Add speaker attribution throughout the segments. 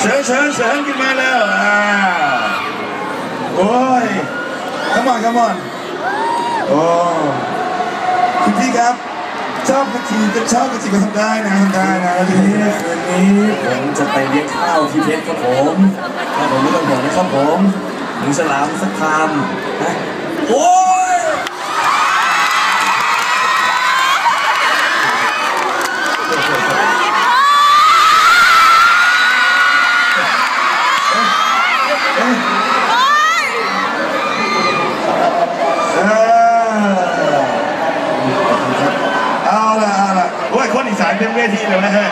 Speaker 1: เชิญขึ้นมาแล้วโอ้ยcome on โอ้คุณพี่ครับชอบกะทิก็ทำได้นะทีนี้
Speaker 2: ผมจะไปเลี้ยงข้าวที่เพชรครับผมถ้าผมไม่ต้องห่วงนะครับผมหมูฉลามสักคำนะโอ้ย
Speaker 1: เอาละโอ้ยคนอีสานเต็มเวทีเลยนะฮะ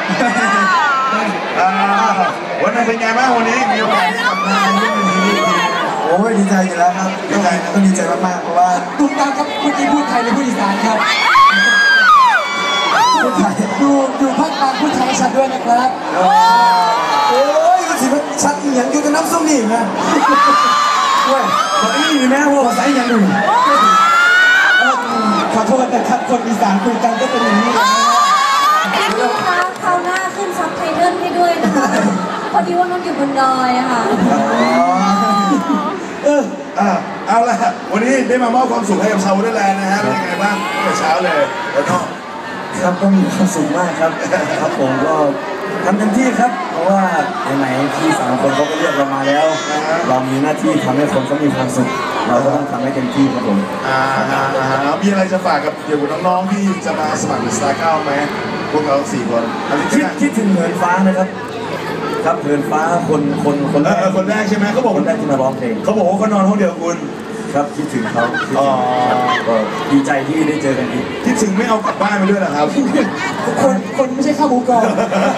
Speaker 1: วันนั้นเป็นไงบ้างวันนี้มีโอกาสได้กลับมาเล่นเวทีนี้
Speaker 3: โอ้ยดีใจอยู่แล้วครับต้องดีใจมากๆเพราะว่าตุ้มตามครับเมื่อกี้พูดไทยหรือพูดอีสานครับพูดไทยดูภาคกลางพูดไทยชัดด้วยนะครับโอ้ยก็ถือว่าชัดอย่างอยู่กับน้ำส้มนี่นะเว้ยขออีกนะว่าภาษาอย่างหนึ่งขอโทษนะครับคนอีสานคุยกันก็เป็นอย่างนี้นะ
Speaker 4: พี่ลูกค้าคราวหน้าขึ้นซับไตเติลให้ด้วยนะคะพอดีว่าน้องอยู่บนดอยอะค่ะ
Speaker 1: เอาละวันนี้ได้มามอบความสุขให้กับชาววอเตอร์แลนด์นะฮะเป็นยังไงบ้างตั้งแต่เช้าเลยแล้วก็
Speaker 2: ครับก็มีความสุขมากครับครับผมก็ทำเต็มที่ครับเพราะว่าไหนพี่3 คนเขาก็เรียกเรามาแล้วเรามีหน้าที่ทำให้คนเขามีความสุขเราก็ต้องทำให้เต็มที่ครับผม
Speaker 1: มีอะไรจะฝากกับเกี่ยวกับน้องๆที่จะมาสมัครสตาร์9ไหมพวกเรา4 คน
Speaker 2: คิดถึงเหินฟ้านะครับครับเหินฟ้าคน
Speaker 1: แรกใช่ไหมเขาบอก
Speaker 2: คนแรกที่มาร้องเพลง
Speaker 1: เขาบอกว่าเขานอนห้องเดียวคุณ
Speaker 2: ครับคิดถึงเขาก็ดีใจที่ได้เจอกันอีก
Speaker 1: คิดถึงไม่เอากลับบ้านไปด้วยเหรอครับ
Speaker 3: คนไม่ใช่ข้าวหมูกรอบ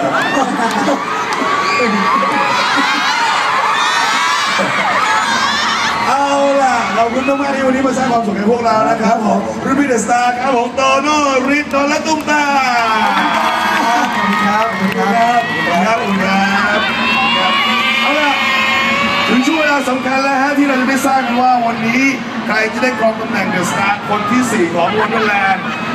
Speaker 1: เอาล่ะเราคุณมากๆที่วันนี้มาสร้างความสุขให้พวกเรานะครับผมรุ่นพี่เดอะสตาร์ครับผมโตโน่ฤทธิ์และตุ้มตา
Speaker 3: ขอบคุณครับ
Speaker 1: เอาล่ะถึงช่วงเวลาสำคัญแล้วฮะที่เราจะได้ทราบกันว่าวันนี้ใครจะได้ครองตำแหน่งเดอะสตาร์คนที่4ของวอนเดอร์แลนด์